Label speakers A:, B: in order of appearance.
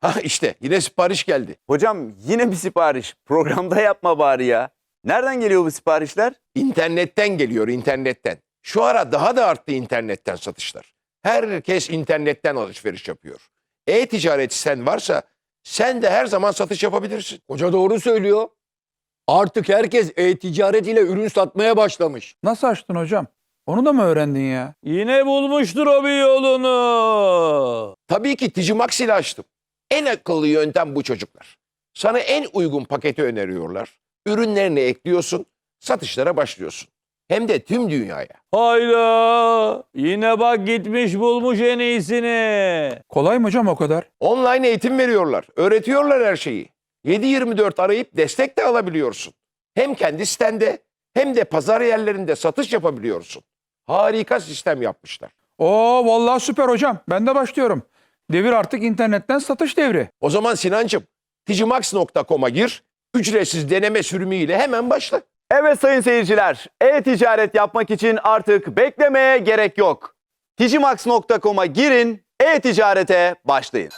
A: Ha işte yine sipariş geldi.
B: Hocam yine bir sipariş. Programda yapma bari ya. Nereden geliyor bu siparişler?
A: İnternetten geliyor, internetten. Şu ara daha da arttı internetten satışlar. Herkes internetten alışveriş yapıyor. E-ticaret sen varsa sen de her zaman satış yapabilirsin.
C: Hoca doğru söylüyor. Artık herkes e-ticaret ile ürün satmaya başlamış.
D: Nasıl açtın hocam? Onu da mı öğrendin ya?
E: Yine bulmuştur o bir yolunu.
A: Tabii ki Ticimax ile açtım. En akıllı yöntem bu çocuklar. Sana en uygun paketi öneriyorlar. Ürünlerini ekliyorsun, satışlara başlıyorsun. Hem de tüm dünyaya.
E: Hayda. Yine bak gitmiş bulmuş en iyisini.
D: Kolay mı hocam o kadar?
A: Online eğitim veriyorlar, öğretiyorlar her şeyi. 7/24 arayıp destek de alabiliyorsun. Hem kendi sitende hem de pazar yerlerinde satış yapabiliyorsun. Harika sistem yapmışlar.
D: Oo vallahi süper hocam. Ben de başlıyorum. Devir artık internetten satış devri.
A: O zaman Sinancığım, ticimax.com'a gir, ücretsiz deneme sürümüyle hemen başla.
B: Evet sayın seyirciler, e-ticaret yapmak için artık beklemeye gerek yok. Ticimax.com'a girin, e-ticarete başlayın.